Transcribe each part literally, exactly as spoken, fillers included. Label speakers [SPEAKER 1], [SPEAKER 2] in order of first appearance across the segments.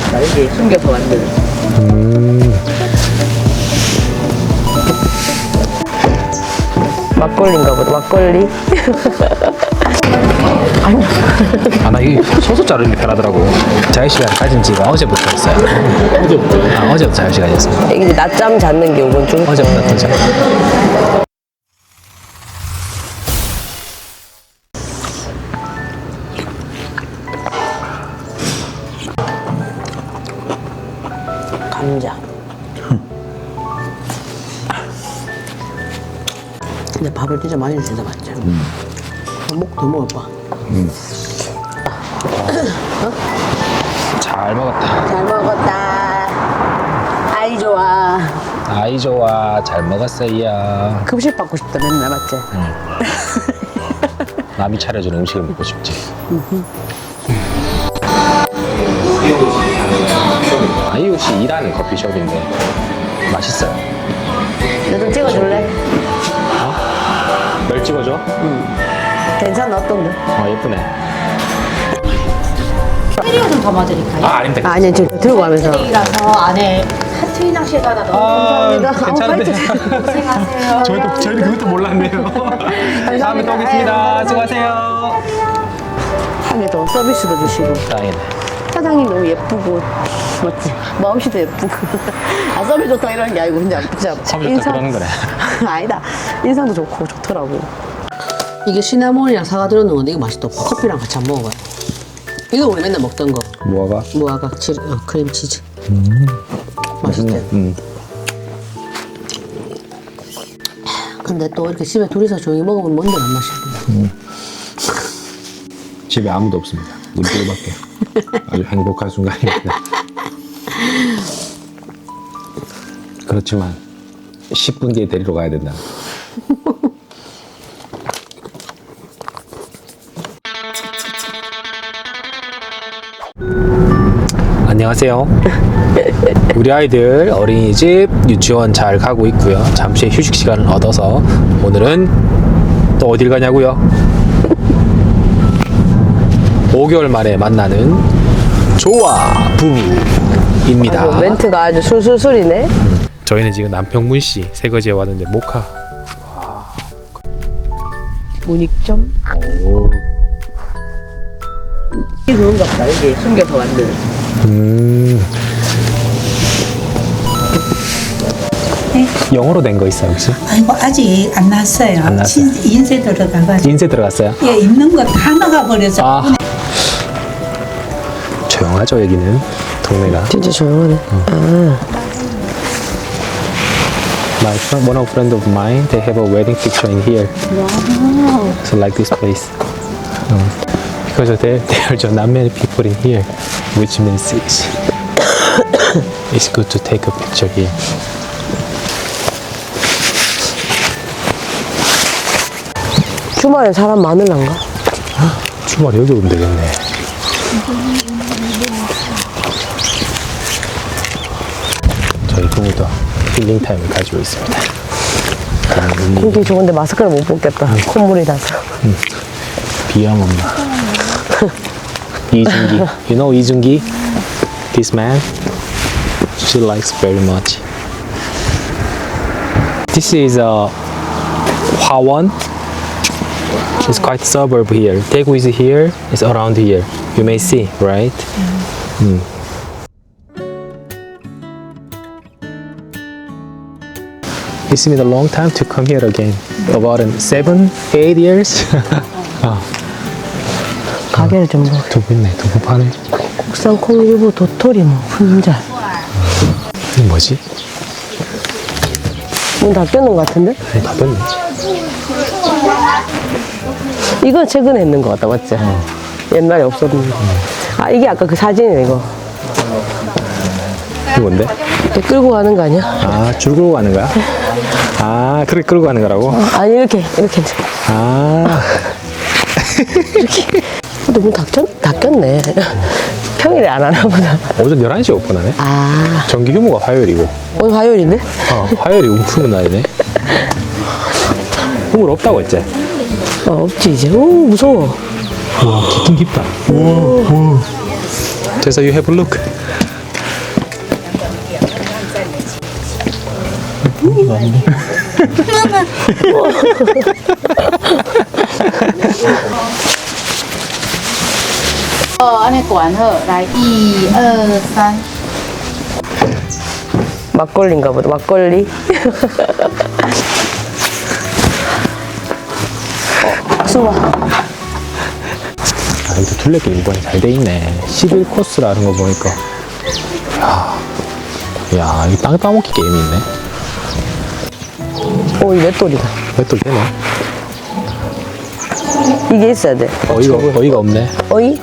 [SPEAKER 1] 같다. 여기 숨겨서 만든.
[SPEAKER 2] 음.
[SPEAKER 1] 막걸리인가 보다. 막걸리. 아니.
[SPEAKER 2] 아, 나 이 소스 자르는 게 편하더라고. 자유시간 가진 지가 어제부터였어요. 어제부터? 아, 어제부터 자유시간이었습니다.
[SPEAKER 1] 이게 이제 낮잠 자는 게 오건 좀.
[SPEAKER 2] 어제부터 낮잠.
[SPEAKER 1] 감자. 근데 밥을 진짜 많이 주다 맞지? 음. 먹, 더 먹어봐.
[SPEAKER 2] 음. 어? 잘 먹었다.
[SPEAKER 1] 잘 먹었다. 아이 좋아.
[SPEAKER 2] 아이 좋아. 잘 먹었어요.
[SPEAKER 1] 급식 받고 싶다 맨날 맞지?
[SPEAKER 2] 응. 남이 차려주는 음식을 먹고 싶지. 아이 혹시 일하는 커피숍인데 맛있어요.
[SPEAKER 1] 나 좀 찍어줄래?
[SPEAKER 2] 널 찍어줘?
[SPEAKER 1] 괜찮아 어떤데?
[SPEAKER 2] 어 예쁘네.
[SPEAKER 3] 트리오 좀 담아드릴까요?
[SPEAKER 2] 아 아닙니다.
[SPEAKER 1] 아니 지금 들고 가면서.
[SPEAKER 3] 트리라서 안에 하트 낭시가 하나 넣어.
[SPEAKER 2] 아,
[SPEAKER 1] 감사합니다.
[SPEAKER 2] 괜찮은데.
[SPEAKER 3] 고생하세요.
[SPEAKER 2] 저희도 저희도 그것도 몰랐네요. 다음에 또 오겠습니다. 수고하세요.
[SPEAKER 1] 한 개 더 서비스도 주시고.
[SPEAKER 2] 다행이네.
[SPEAKER 1] 사장님 너무 예쁘고 맞지? 마음씨도 예쁘고. 아 서비스 좋다 이런 게 아니고 그냥 진짜
[SPEAKER 2] 서비스 좋다 그러는 거네.
[SPEAKER 1] 아니다. 인상도 좋고 좋더라고. 이게 시나몬이랑 사과 들어있는 건데 이거 맛있다. 커피랑 같이 안 먹어봐요. 이거 우리 맨날 먹던 거.
[SPEAKER 2] 무화과?
[SPEAKER 1] 무화과 치, 어, 크림치즈.
[SPEAKER 2] 음.
[SPEAKER 1] 맛있대.
[SPEAKER 2] 음.
[SPEAKER 1] 근데 또 이렇게 집에 둘이서 조용히 먹으면 뭔데 안 마시고.
[SPEAKER 2] 집에 아무도 없습니다. 우리 둘밖에. 아주 행복한 순간입니다. 그렇지만 십 분 뒤에 데리러 가야 된다. 안녕하세요. 우리 아이들 어린이집, 유치원 잘 가고 있고요. 잠시 휴식 시간을 얻어서 오늘은 또 어딜 가냐고요? 오 개월 만에 만나는 조아 부부입니다.
[SPEAKER 1] 아주 멘트가 아주 술술술이네.
[SPEAKER 2] 저희는 지금 남평문시 세거지에 왔는데 모카.
[SPEAKER 1] 문익점?
[SPEAKER 2] 오.
[SPEAKER 1] 이게 그런가 보다. 여기 숨겨서 만든.
[SPEAKER 2] 음. 영어로 된 거 있어요 혹시?
[SPEAKER 4] 아이고 아직 안 났어요.
[SPEAKER 2] 안 났어요?
[SPEAKER 4] 신- 인쇄 들어가가지고
[SPEAKER 2] 인쇄 들어갔어요?
[SPEAKER 4] 예 입는 거 다 나가 버려서
[SPEAKER 2] 아. 조용하죠 여기는 동네가.
[SPEAKER 1] 진짜 조용하네. 아.
[SPEAKER 2] My friend, one of friend of mine, they have a wedding picture in here.
[SPEAKER 1] Wow.
[SPEAKER 2] So like this place. Um, because there, there are just not many people in here, which means it's, it's good to take a picture here.
[SPEAKER 1] 주말에 사람 많을란가?
[SPEAKER 2] 주말에 여기 오면 되겠네. 저희 부부 다 힐링 타임을 가지고 있습니다. 음,
[SPEAKER 1] 공기 좋은데 마스크를 못 벗겠다. 콧물이 나서.
[SPEAKER 2] 비염 없나? 이준기, you know 이준기? This man, she likes very much. This is a Hwawon. It's quite suburb here. Daegu is here. It's around here. You may see, right? Mm. It's been a long time to come here again. About um, seven, eight years. 아,
[SPEAKER 1] 가게를 좀 봐.
[SPEAKER 2] 두부 있네. 두부 파네.
[SPEAKER 1] 국산 콩유부 도토리 뭐 훈잘.
[SPEAKER 2] 이게 뭐지?
[SPEAKER 1] 문 닫혀놓은 것 같은데?
[SPEAKER 2] 아니, 닫았네.
[SPEAKER 1] 이건 최근에 했는 것 같다, 맞지? 옛날에 없었는데. 아, 이게 아까 그 사진이네, 이거.
[SPEAKER 2] 이게 뭔데?
[SPEAKER 1] 이렇게 끌고 가는 거 아니야?
[SPEAKER 2] 아, 줄 끌고 가는 거야? 아, 그렇게 끌고 가는 거라고?
[SPEAKER 1] 아니, 이렇게, 이렇게.
[SPEAKER 2] 아.
[SPEAKER 1] 이렇게. 근데 문 닫혔, 닫혔네. 평일에 안 하나 보다.
[SPEAKER 2] 오전 열한 시에 오픈하네?
[SPEAKER 1] 아,
[SPEAKER 2] 정기 휴무가 화요일이고.
[SPEAKER 1] 오늘 화요일인데?
[SPEAKER 2] 어, 화요일이 휴무 날이네. 휴무 없다고 했지?
[SPEAKER 1] 어, 없지, 이제. 오, 무서워.
[SPEAKER 2] 와, 깊긴 깊다. 우와, 우와. 그래서 you have a look. 고기가 없네.
[SPEAKER 3] Ờ, anh ấy quản hở. Đấy, y, ơ, san.
[SPEAKER 1] 막걸리인가 보다. 막걸리. 어, 수박.
[SPEAKER 2] 아, 여기도 둘레길 일본이 잘 돼 있네. 십일 코스라는 거 보니까. 야, 야, 이 땅 따먹기 게임이 있네.
[SPEAKER 1] 오, 이 맷돌이다.
[SPEAKER 2] 맷돌 되네.
[SPEAKER 1] 이게 있어야 돼.
[SPEAKER 2] 어이가, 어이가 없네.
[SPEAKER 1] 어이?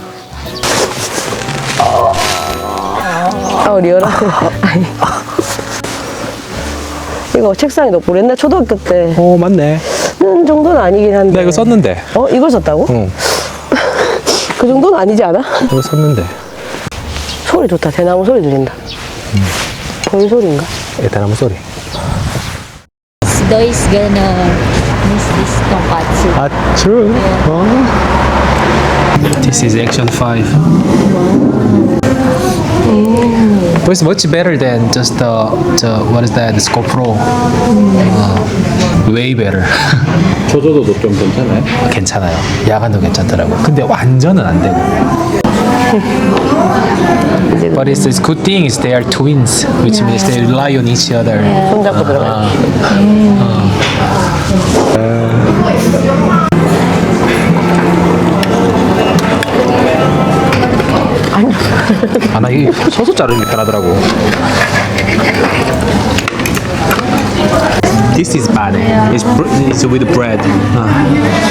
[SPEAKER 1] 아, 리얼하 아니. 이거 책상에 넣고 옛날 초등학교 때
[SPEAKER 2] 어, 맞네.
[SPEAKER 1] 음, 정도는 아니긴 한데.
[SPEAKER 2] 나 이거 썼는데.
[SPEAKER 1] 어? 이걸 썼다고?
[SPEAKER 2] 응,
[SPEAKER 1] 그 정도는 아니지 않아?
[SPEAKER 2] 이거 썼는데.
[SPEAKER 1] 소리 좋다. 대나무 소리 들린다. 벌 소리인가?
[SPEAKER 2] 대나무 소리.
[SPEAKER 3] Dois gonna miss this tonkatsu.
[SPEAKER 2] 아, true. 어. This is action five. But it's much better than just the, the what is that? The Scope Pro. Uh, way better.
[SPEAKER 5] 조조도도 좀 괜찮아요?
[SPEAKER 2] 괜찮아요. 야간도 괜찮더라고. 근데 완전은 안 되고. But it's, it's good thing is they are twins, which means they rely on each other.
[SPEAKER 1] 손잡고 들어가요.
[SPEAKER 2] 아, 나 이게 서서 자르는 게 편하더라고. This is bad. It's, br- it's with bread. 아.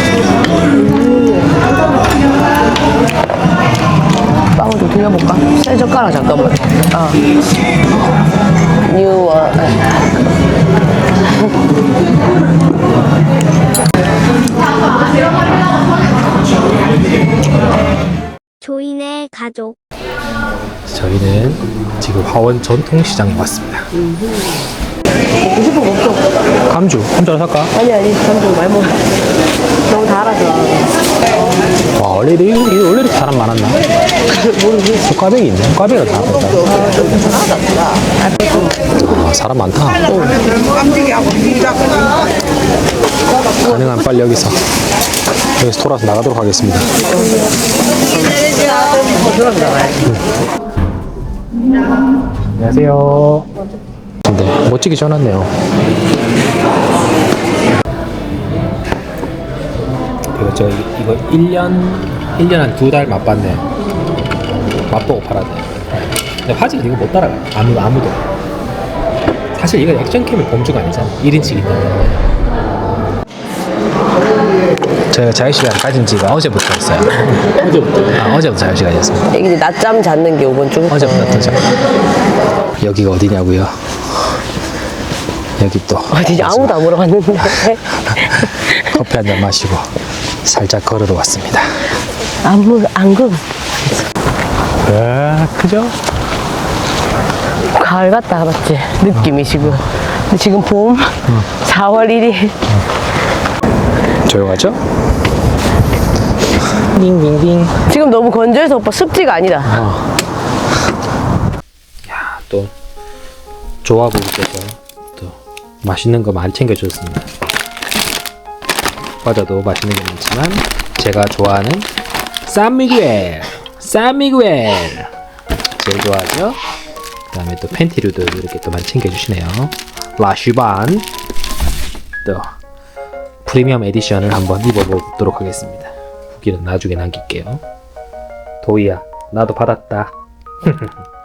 [SPEAKER 1] 빵을 좀 돌려볼까? 새 젓가락 잠깐만. 아. 뉴 원.
[SPEAKER 6] 조인의 가족.
[SPEAKER 2] 저희는 지금 화원 전통시장에 왔습니다.
[SPEAKER 1] 먹고 싶어 먹죠.
[SPEAKER 2] 감주, 감주 하나 살까?
[SPEAKER 1] 아니 아니 점점 많이 먹어. 너무 달아서.
[SPEAKER 2] 와, 원래 이렇게, 이게 원래 이렇게 사람 많았나? 저 꽈배기 있네. 꽈배기가 다 많다. 아, 사람 많다. 가능한 빨리 여기서 여기서 돌아서 나가도록 하겠습니다. 안녕하세요. 근데 멋지게 지어놨네요. 그리고 저 이거 일 년 일 년 한 두 달 맛봤네. 맛보고 팔았네. 근데 화질 이거 못 따라가. 아무 아무도. 사실 이거 액션캠의 범주가 아니잖아. 일 인치이기 때문에. 제가 자유시간 가진 지가 어제부터였어요. 어제부터? 아, 어제부터 자유시간이었습니다.
[SPEAKER 1] 이게 낮잠 잤는 게 오번 주.
[SPEAKER 2] 어제부터 자. 여기가 어디냐고요? 여기 또
[SPEAKER 1] 어디지? 아무도 안 물어봤는데.
[SPEAKER 2] 커피 한 잔 마시고 살짝 걸어도 왔습니다.
[SPEAKER 1] 안 물, 안 그.
[SPEAKER 2] 아, 그죠?
[SPEAKER 1] 가을 같다, 맞지? 느낌이 지금. 근데 지금 봄, 사월 일 일.
[SPEAKER 2] 조용하죠? 띵띵띵.
[SPEAKER 1] 지금 너무 건조해서 오빠 습지가 아니다.
[SPEAKER 2] 어. 야, 또 조합부께서 또 맛있는 거 많이 챙겨줬습니다. 과자도 맛있는 게 많지만 제가 좋아하는 산미구엘, 산미구엘 제일 좋아하죠. 그다음에 또 팬티류도 이렇게 또 많이 챙겨주시네요. 라슈반 또 프리미엄 에디션을 한번 입어보도록 하겠습니다. 후기는 나중에 남길게요. 도희야, 나도 받았다.